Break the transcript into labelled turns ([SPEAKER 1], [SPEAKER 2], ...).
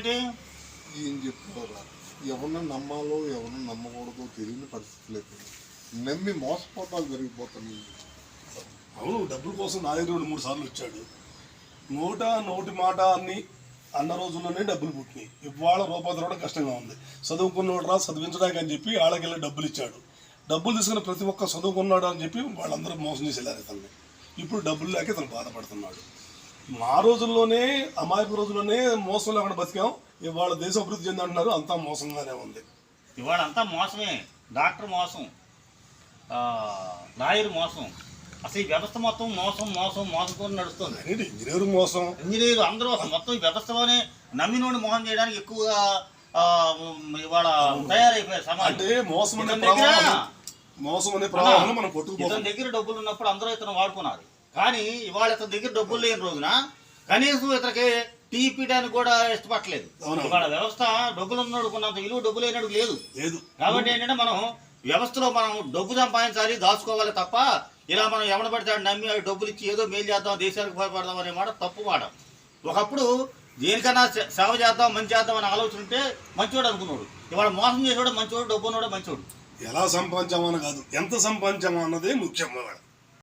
[SPEAKER 1] ఏంటి?
[SPEAKER 2] ఏం చెప్తారా, ఎవరిని నమ్మాలో ఎవరిని నమ్మకూడదో తెలియని పరిస్థితులు అయిపోయింది. నమ్మి మోసపోతాలు జరిగిపోతున్నాయి.
[SPEAKER 3] అవును, డబ్బుల కోసం నా దగ్గర 2-3 సార్లు వచ్చాడు. నోటి మాట అన్ని అన్న రోజుల్లోనే డబ్బులు పుట్టినాయి. ఇవాళ రూపాయి కూడా కష్టంగా ఉంది. చదువుకున్నోడు రా చదివించడానికి అని చెప్పి వాళ్ళకెళ్ళి డబ్బులు ఇచ్చాడు. డబ్బులు తీసుకుని ప్రతి ఒక్క చదువుకున్నాడు అని చెప్పి వాళ్ళందరూ మోసం చేసి వెళ్ళారు ఇతన్ని. ఇప్పుడు డబ్బులు లేక ఇతను బాధపడుతున్నాడు. మా రోజుల్లోనే అమాయక రోజుల్లోనే మోసం లేకుండా బతికాం. ఇవాళ దేశం అభివృద్ధి చెందంటున్నారు, అంతా మోసంగానే ఉంది.
[SPEAKER 1] ఇవాళ అంతా మోసమే. డాక్టర్ మోసం, లాయర్ మోసం, అసలు ఈ వ్యవస్థ మొత్తం మోసం మోసం మోసంతో నడుస్తుంది.
[SPEAKER 3] ఇంజనీర్ మోసం,
[SPEAKER 1] ఇంజనీర్ అందరూ అసలు మొత్తం ఈ వ్యవస్థలోనే నమ్మినోడిని మోసం చేయడానికి ఎక్కువగా ఇవాళ తయారైపోయారు సమాజం.
[SPEAKER 3] అంటే మోసం అనే మనం కొట్టుకుపోతాం.
[SPEAKER 1] ఇతని దగ్గర డబ్బులు ఉన్నప్పుడు అందరూ ఇతను వాడుకున్నారు. కానీ ఇవాళ ఇతని దగ్గర డబ్బులు లేని రోజున కనీసం ఇతనికి టీ పీయడానికి కూడా ఇష్టపడలేదు. ఇవాళ వ్యవస్థ డబ్బులు ఉన్నంత విలువ డబ్బు లేనడు లేదు. కాబట్టి ఏంటంటే మనం వ్యవస్థలో మనం డబ్బు సంపాదించాలి, దాచుకోవాలి తప్ప ఇలా మనం ఎవడ పడితే నమ్మి డబ్బులు ఇచ్చి ఏదో మేలు చేద్దాం, దేశానికి భయపడదాం అనే మాట తప్పు మాట. ఒకప్పుడు దేనికన్నా సేవ చేద్దాం, మంచి చేద్దాం అనే ఆలోచన ఉంటే మంచివాడు అనుకున్నాడు. ఇవాళ మోసం చేసేవాడు మంచివాడు, డబ్బు ఉన్నవాడు మంచివాడు.
[SPEAKER 3] ఎలా సంపాదించామని కాదు, ఎంత సంపాదించామా అన్నదే ముఖ్యం.